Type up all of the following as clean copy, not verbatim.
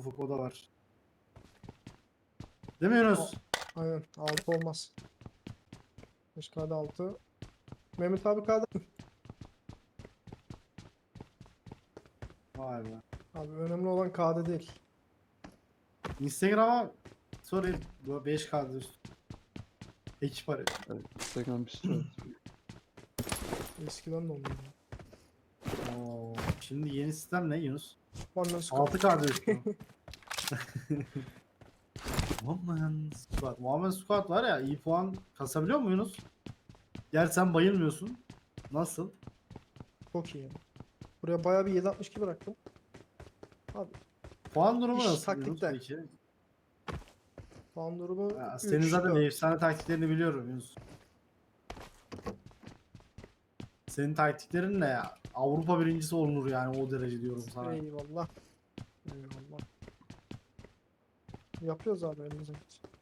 Ufuk o da var. Değil mi Yunus? Aynen 6 olmaz. 5K'da 6. Mehmet abi K'da. Vay be. Abi önemli olan K'da değil. Instagram'a sorayım. Bu 5K'da üstü. Ekip arıyor. Evet, Instagram bir sürü. Eskiden de olmuyor. Oo, şimdi yeni sistem ne Yunus? One Squad. 6K'da üstü. Woman Squad var ya, iyi puan kasabiliyor mu Yunus? Gerçi sen bayılmıyorsun. Nasıl? Çok iyi. Buraya bayağı bir 7.62 bıraktım. Abi Puan durumu İş nasıl taktikte. Yunus peki? puan durumu Ya, 3, senin zaten 4. efsane taktiklerini biliyorum Yunus. Senin taktiklerin ne ya? Avrupa birincisi olunur yani, o derece diyorum sana. Eyvallah. Eyvallah. Yapıyoruz abi elimizden.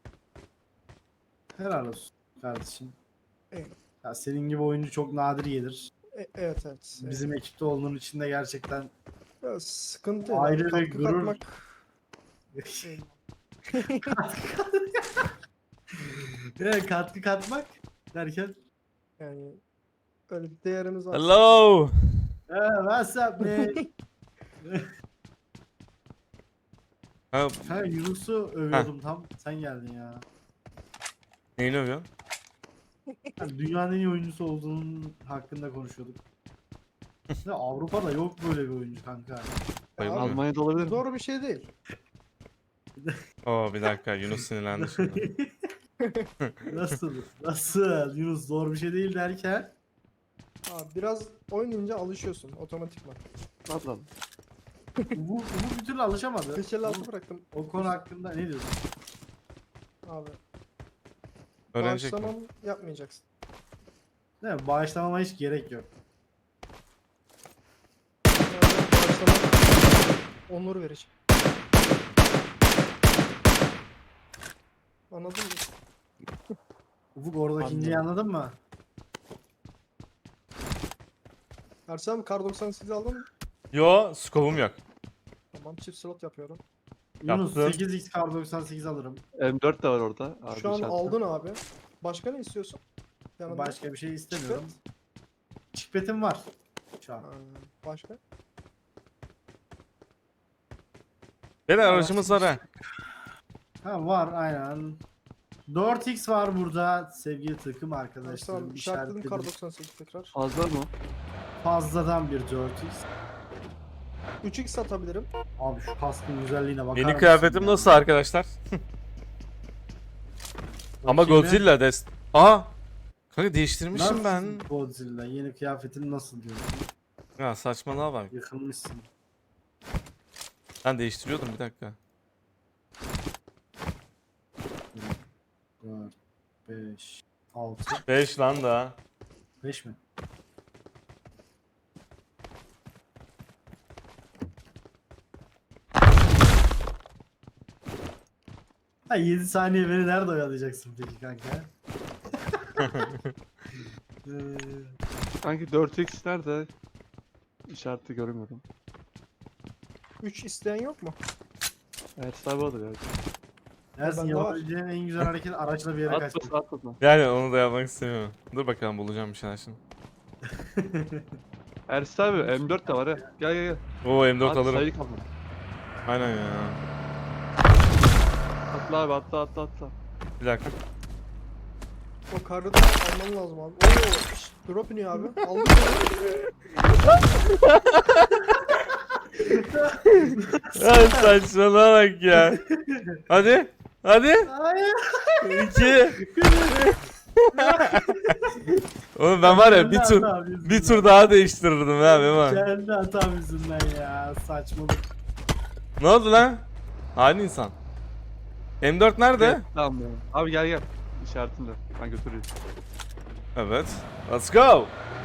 Helal olsun kardeşim. Eyvallah. Ya senin gibi oyuncu çok nadir gelir. Evet evet. Bizim ekipte olduğun için de gerçekten Ya, sıkıntı Ayrı yani. ve Katkı gurur. katmak. Eyvallah. katkı katmak derken Yani öyle bir değerimiz var. Hello. what's up man? Ha, Ha, Yunus'u övüyordum tam. Sen geldin ya. neyini övüyorsun? Yani dünyanın en iyi oyuncusu olduğunun hakkında konuşuyorduk. Ya Avrupa'da yok böyle bir oyuncu kanka. Bayılır mı? Almanya'da olabilir mi? Doğru bir şey değil. Oo bir dakika Yunus sinirlendi şimdi. Nasıl? Nasıl? Yunus zor bir şey değil derken. Abi biraz oynayınca alışıyorsun otomatikman. Ablam. Bu bir türlü alışamadı. 556 bıraktım. O konu hakkında ne diyorsun? Abi Öğrenecek mi? bağışlamam yapmayacaksın. Değil mi? Bağışlamama hiç gerek yok. Yani bağışlamam onur verecek. Anladın mı? Ufuk oradaki Anladım. inciyi anladın mı? Ersem kar 98 aldın mı? Yo skopum yok. Tamam çift slot yapıyorum. Yunus Yaptım. 8x kar 98 alırım. M4 de var orada. Abi Şu an işaretle. aldın abi. Başka ne istiyorsun? Yanında. Başka bir şey istemiyorum. Çikpetim var. Şu an. Ha, başka? Beyler aracımız var ha. Ha var aynen. 4x var burada sevgili takım Tamam arkadaşlarım. işaretledim kar İşaretledim. 98 tekrar. Fazla mı? Fazladan bir 4x. 3x satabilirim. Abi şu kaskın güzelliğine bakar Yeni mısın kıyafetim ya? nasıl arkadaşlar? Ama Bakayım Godzilla dest. Aa! Kanka bir. değiştirmişim Nasıl ben. Godzilla yeni kıyafetin nasıl diyorsun? Ya saçmalama bak. Yıkılmışsın. Ben değiştiriyordum bir dakika. 4, 5, 6, 5 lan da. 5 mi? Ha 7 saniye beni nerede oyalayacaksın peki kanka? Sanki 4x nerede? İşareti görmüyorum. 3 isteyen yok mu? Ersin abi olur ya. Ersin Bende var. yapabileceğin en güzel hareket araçla bir yere kaçmak. Atlasın atlasın. Yani onu da yapmak istemiyorum. Dur bakalım bulacağım bir şeyler şimdi. Ersin abi M4 de var ha. Gel gel gel. Oo M4 Hadi, alırım. sayı kalma. Aynen ya. Atla abi atla. Bir dakika. O karı da alman lazım abi. Oo, şşt, drop iniyor abi. Aldık Ya saçmalama bak ya. Hadi. Hadi. Hayır. 2. Oğlum ben var ya bir tur daha değiştirirdim ha Mema. Kendi hatam yüzünden ya, saçmalık. Ne oldu lan? Hain insan. M4 nerede? Gel, tamam ya. Abi gel. İşaretimle. Ben götüreyim. Evet. Let's go.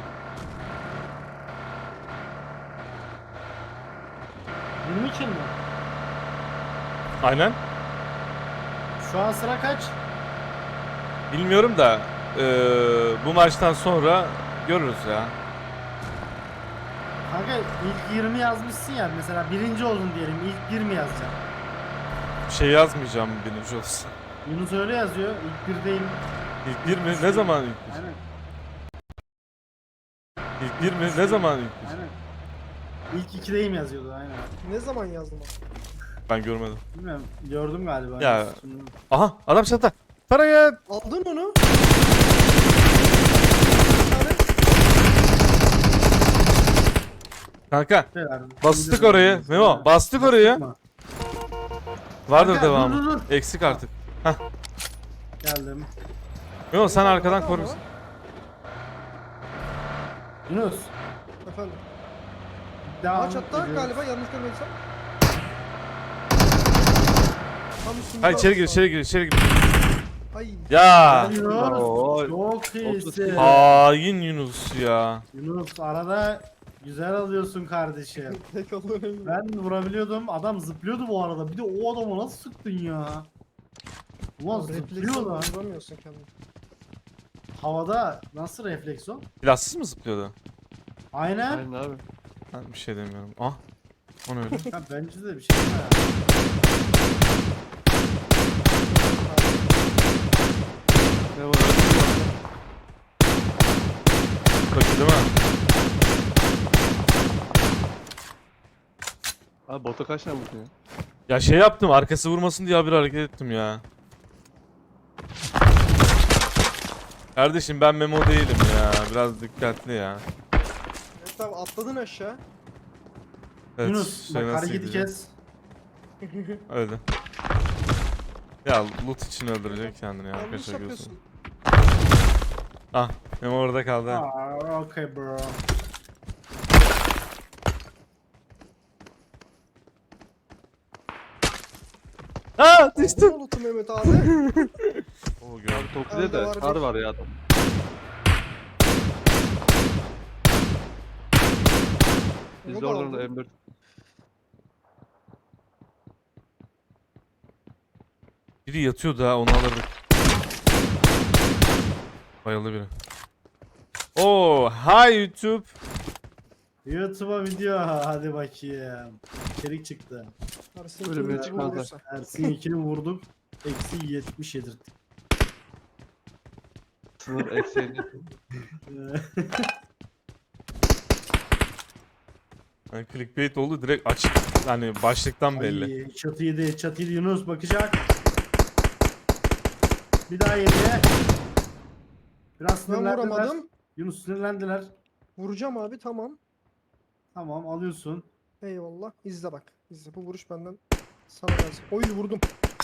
Benim için mi? Aynen. Şu an sıra kaç? Bilmiyorum da bu maçtan sonra görürüz ya. Kanka ilk 20 yazmışsın ya, mesela birinci oldun diyelim, ilk 20 yazacağım. şey yazmayacağım birinci olsun. Yunus öyle yazıyor. İlk birdeyim. İlk bir mi? Ne zaman ilk bir? Aynen. İlk bir mi? Ne zaman ilk bir? Aynen. İlk ikideyim yazıyordu aynen. Ne zaman yazdım abi? Ben görmedim. Bilmiyorum. Gördüm galiba. Ya. Şimdi- Aha adam çatıda. Faraya. Aldın onu. Kanka Şeyler, bastık bilmiyorum. orayı. Memo bastık orayı. mı? Vardır Kanka, devamı. dur, dur, dur. Eksik artık. Geldim. Memo sen Ama- arkadan ama- korusun. Yunus. Efendim. Devam Ağaç hatta ediyoruz. galiba yanlış görmediysem. Tam üstünde Hayır içeri gir olması içeri gir içeri gir. lazım. Ay. Ya. Yunus. Oo. Çok iyisin. Hain Yunus ya. Yunus arada güzel alıyorsun kardeşim. Tek alıyorum. Ben vurabiliyordum. Adam zıplıyordu bu arada. Bir de o adamı nasıl sıktın ya? Ulan zıplıyor lan. Vuramıyorsun kendini. Havada nasıl refleks o? Silahsız mı zıplıyordu? Aynen. Aynen abi. Ben bir şey demiyorum. Ah. O ne öyle? Ya bence de bir şey var. Ne var? Bakıyor değil mi? Abi bota kaç tane vurdun ya? Ya şey yaptım arkası vurmasın diye bir hareket ettim ya. Kardeşim ben Memo değilim ya. Biraz dikkatli ya. Evet abi atladın aşağı. Evet, Yunus şey bak nasıl hareketi gidecek? kes. Öyle. Ya loot için öldürecek kendini ya. Yanlış Arkadaşlar yapıyorsun. görüyorsun. Ah Memo orada kaldı. ha. Aa, okay bro. Aa Aldın düştüm. mı loot'u Mehmet abi? Oo, gördüm. Abi Toki'de Bende de var kar bir. var ya adam. Biz Onu de da oradan aldım. da M4. Biri yatıyordu ha onu alırdık. Bayıldı biri. Oo, hi YouTube. YouTube'a video hadi bakayım. İçerik çıktı. Ersin Ölümüne Türk'ü çıkmazlar. vurursa. Ersin 2'ni vurduk. Eksi 70 yedirttik. Sınır eksiğini. Yani clickbait oldu direkt açık. Yani başlıktan belli. Ay, çatı yedi, çatı yedi. Yunus bakacak. Bir daha yedi. Biraz Ben sinirlendiler. vuramadım. Yunus sinirlendiler. Vuracağım abi tamam. Tamam alıyorsun. Eyvallah. İzle bak. İzle. Bu vuruş benden sana gelsin. Oy vurdum.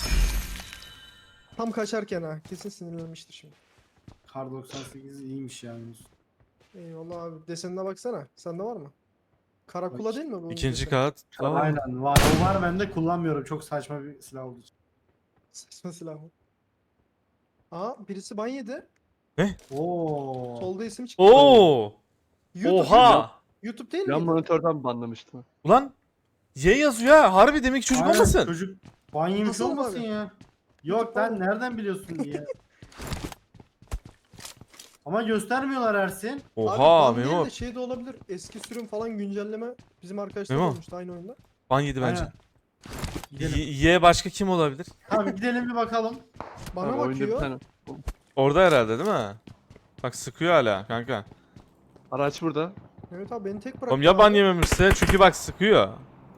Tam kaçarken ha. Kesin sinirlenmiştir şimdi. Kar 98 iyiymiş ya Yunus. Eyvallah abi. Desenine baksana. Sende var mı? Karakula Bak, değil mi bu? İkinci desen? kat. Aa, Aynen var. O var bende kullanmıyorum. Çok saçma bir silah olduğu için. Saçma silah mı? Aa birisi ban yedi. Oo. Solda isim çıktı. Oo! YouTube, Oha! YouTube değil Yan miydi? monitörden banlamıştım. Ulan Y yazıyor ha. Harbi demek ki çocuk Aynen, olmasın. Çocuk ban yemiş Nasıl mı olmasın abi? ya. Yok ban lan mı? nereden biliyorsun diye. Ama göstermiyorlar Ersin. Abi Oha ban değil Memo. de şey de olabilir. Eski sürüm falan güncelleme bizim arkadaşlar Memo. olmuştu aynı oyunda. Ban yedi bence. Aynen. Gidelim. Y başka kim olabilir? Tamam gidelim bir bakalım. Bana Abi oyunda bir bakıyor. tane. Orada herhalde değil mi? Bak sıkıyor hala kanka. Araç burada. Evet abi beni tek bıraktı. Oğlum ya ban abi. yememişse çünkü bak sıkıyor.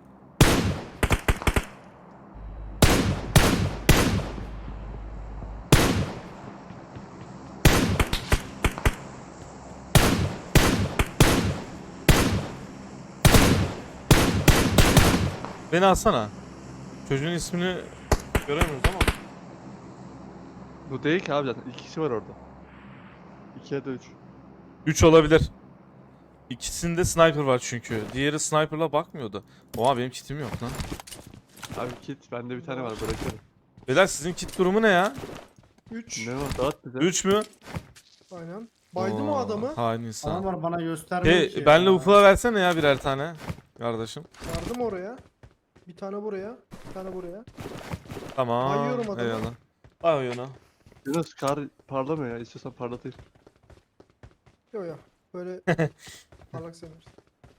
Beni alsana. Çocuğun ismini göremiyoruz ama. Bu değil ki abi zaten. 2 kişi var orada. 2 ya da 3. 3 olabilir. İkisinde sniper var çünkü. Diğeri sniper'la bakmıyordu. Oha benim kitim yok lan. Abi kit bende bir tane var bırakıyorum. Beyler sizin kit durumu ne ya? 3. Ne var dağıt bize. 3 mü? Aynen. Baydım o adamı. Hain insan. Adamlar bana göstermiyor ki. Benle ya. ufula versene ya birer tane. Kardeşim. Yardım oraya. Bir tane buraya. Bir tane buraya. Tamam. Bayıyorum adamı. Eyvallah. Bay oyunu. Yunus kar parlamıyor ya. İstiyorsan parlatayım. Yo yo. Böyle parlak sevmiyoruz.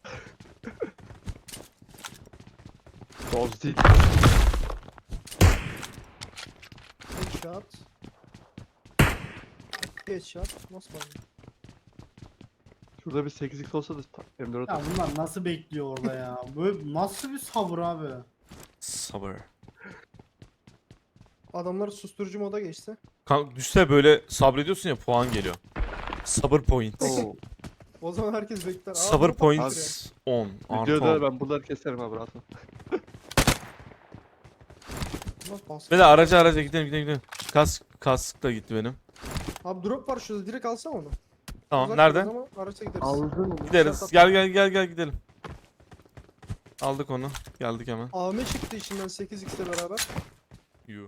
Doz değil. Headshot. Headshot. Nasıl var? Şurada bir 8x olsa da M4 Ya bunlar nasıl bekliyor orada ya? Böyle nasıl bir sabır abi? Sabır. Adamlar susturucu moda geçti. Kanka düşse böyle sabrediyorsun ya puan geliyor. Sabır point. Oo. O zaman herkes bekler. Aa, Sabır bunu points 10. Artı Videoda 10. ben buraları keserim abi rahat ol. Beyler araca gidelim gidelim. Kask da gitti benim. Abi drop var şurada, direkt alsam onu. Tamam Uzak nerede? biraz ama araçla gideriz. Aldın. Gideriz. Gel gidelim. Aldık onu. Geldik hemen. AM çıktı içinden 8x'le beraber. Yu.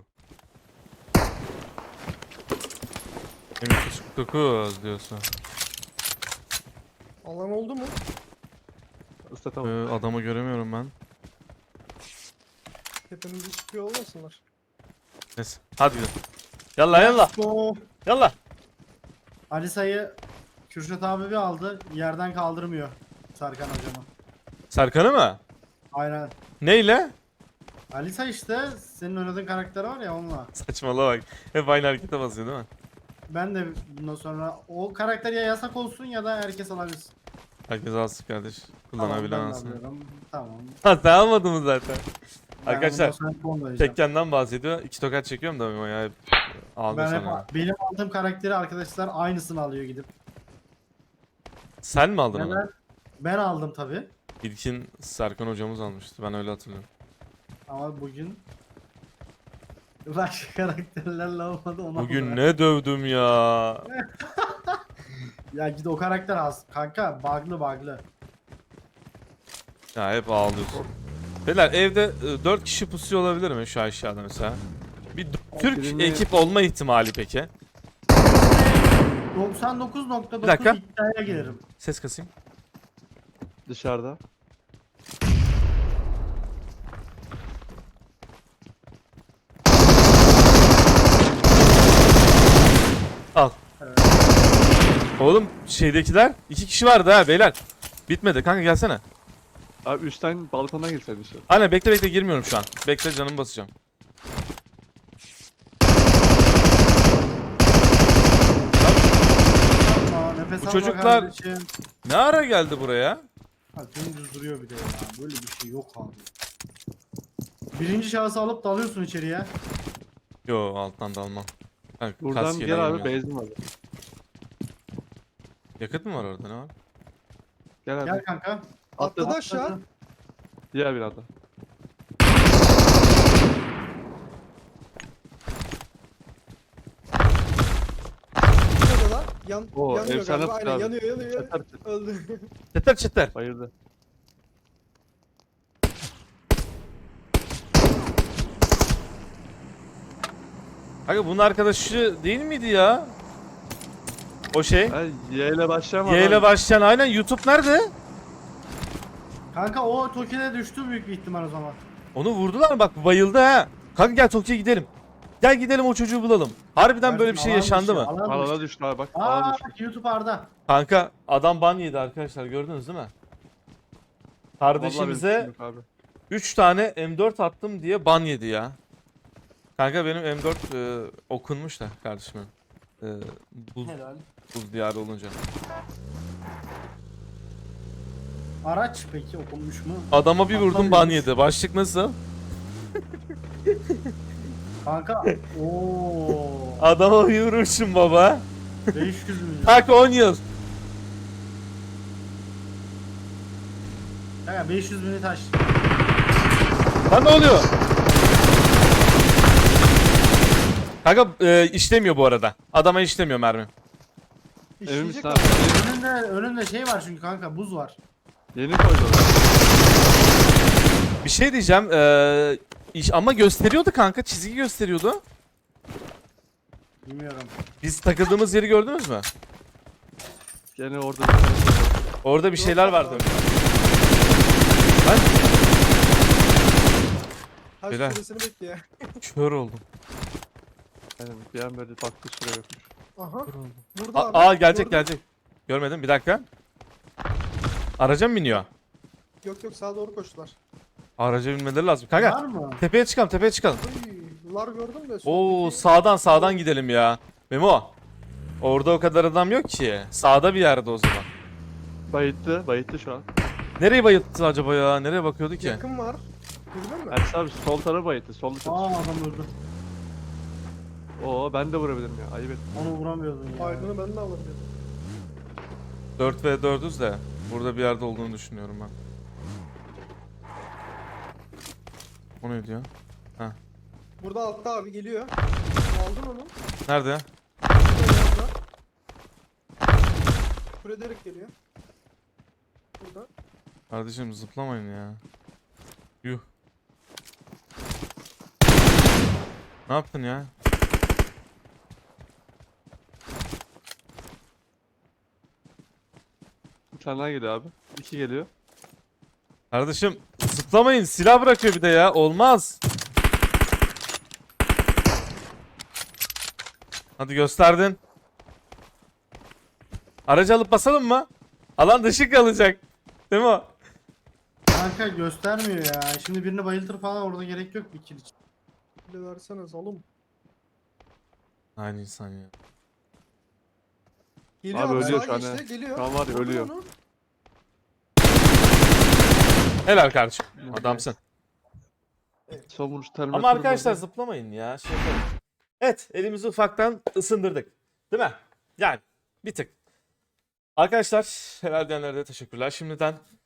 M249 diyorsun. Alan oldu mu? Islatamam. Adamı göremiyorum ben. Tepemize çıkıyor olmasınlar. Neyse. Hadi gidelim. Yallah. Oh. Yallah. Alisa'yı Kürşat abi bir aldı. Yerden kaldırmıyor Serkan hocama. Serkan'ı mı? Aynen. Neyle? Alisa işte senin oynadığın karakter var ya onunla. Saçmalama bak. Hep aynı harekete basıyor değil mi? Ben de bundan sonra o karakter ya yasak olsun ya da herkes alabilsin. Herkes alsın kardeş. Tamam, Kullanabilen ben de alsın. alıyorum. Tamam. Ha sen almadın mı zaten? Ben Arkadaşlar, bundan sonra hep onu oynayacağım. Tekken'den bahsediyor. 2 tokat çekiyorum da o ya hep ağlıyor Ben hep sana. benim aldığım karakteri arkadaşlar aynısını alıyor gidip. Sen mi aldın onu? Neden? Ben aldım tabi. İlkin Serkan hocamız almıştı. Ben öyle hatırlıyorum. Ama bugün başka karakterlerle olmadı ona. Bugün ne dövdüm ya. Ya git o karakter az. Kanka bug'lı. Ya hep ağlıyorsun. Beyler evde 4 kişi pusuyor olabilir mi şu aşağıda mesela? Bir Türk birini- ekip olma ihtimali peki? 99.9 Bir dakika. iddiaya gelirim. Ses kasayım. Dışarıda. Al. Evet. Oğlum şeydekiler 2 kişi vardı ha beyler. Bitmedi kanka gelsene. Abi üstten balkondan girsen dışarı. Aynen bekle girmiyorum şu an. Bekle canımı basacağım. Aa, nefes Bu alma çocuklar- kardeşim. Ne ara geldi buraya? Ha, dümdüz duruyor bir de ya. Böyle bir şey yok abi. Birinci şahsı alıp dalıyorsun içeriye. Yo alttan da almam. Ha, Buradan kaskeyle gel abi girmiyorum. benzin var. Yakıt mı var orada ne var? Gel abi. Gel kanka. Atladı aşağı. Diğer binada. Şurada da Oo, yanıyor efsane galiba. Aynen abi. yanıyor. Çatar. Öldü. Çıtır. Bayıldı. Kanka bunun arkadaşı değil miydi ya? O şey. Ha, Y ile başlayan var Y ile abi. başlayan aynen YouTube nerede? Kanka o Toki'de düştü büyük bir ihtimal o zaman. Onu vurdular mı? Bak bayıldı ha. Kanka gel Tokyo'ya gidelim. Gel gidelim o çocuğu bulalım. Harbiden böyle bir şey Alan yaşandı dışı, mı? alan Alana dışı. düştü abi bak. Alana Aa düştü. bak YouTube Arda. Kanka adam ban yedi arkadaşlar gördünüz değil mi? Vallahi Kardeşimize benim suçum yok abi. 3 tane M4 attım diye ban yedi ya. Kanka benim M4 okunmuş da kardeşimin. Buz, Helal. buz diyarı olunca. Araç peki okunmuş mu? Adama bir vurdum ban Atlamıyormuş. yedi. Başlık nasıl? Kanka ooo Adama bir vurmuşum baba. 500 milyon. Tak 10 yıl. Kanka 500 milyon taş. Lan ne oluyor? Kanka işlemiyor bu arada. Adama işlemiyor mermi. Emin İşleyecek misin abi. abi? Önünde şey var çünkü kanka buz var. Yeni koydular. Bir şey diyeceğim. Ama gösteriyordu kanka. Çizgi gösteriyordu. Bilmiyorum. Biz takıldığımız yeri gördünüz mü? Gene orada bir tane şey var. Orada bir şeyler vardı. Ben Ha Beyler. süresini bekle. kör oldum. Aynen bir an böyle baktı şuraya yokmuş. Aha. Kör oldum. Burada abi. Aa gelecek Gördün. gelecek. Görmedim bir dakika. Araca mı biniyor? Yok sağa doğru koştular. Araca binmeleri lazım. Var Kanka mı? tepeye çıkalım tepeye çıkalım. Uy, Çatılar gördüm de. Oo soldaki- sağdan gidelim ya. Memo. Orada o kadar adam yok ki. Sağda bir yerde o zaman. Bayıttı şu an. Nereye bayılttı acaba ya? Nereye bakıyordu ki? Yakın var. Girdin mi? Ersin abi sol tarafı bayıttı. Solda çatışıyor. Aa adam öldü. Oo ben de vurabilirim ya. Ayıp et. Onu vuramıyordun ya. Aydın'ı ben de alabilirim. 4v4'üz de burada bir yerde olduğunu düşünüyorum ben. O ne diyor? Burada altta abi geliyor. Aldın onu. Nerede? Frederick geliyor. Burada. Kardeşim zıplamayın ya. Yuh. Ne yaptın ya? Bir tane daha geliyor abi. 2 geliyor. Kardeşim zıplamayın. Silah bırakıyor bir de ya. Olmaz. Hadi gösterdin. Aracı alıp basalım mı? Alan dışı kalacak. Değil mi o? Kanka göstermiyor ya. Şimdi birini bayıltır falan orada gerek yok bir kill için. Bir de versene salım. Aynı insan ya. Geliyor Abi abi, ölüyor sağa şu an geçti, ha. geliyor. Şu an var ya, Vurdun ölüyor. onu. Helal kardeşim. Adamsın. Son vuruş terminatörü. Ama arkadaşlar zıplamayın ya. Şey yapalım. Evet, elimizi ufaktan ısındırdık. Değil mi? Yani bir tık. Arkadaşlar helal diyenlere de teşekkürler şimdiden.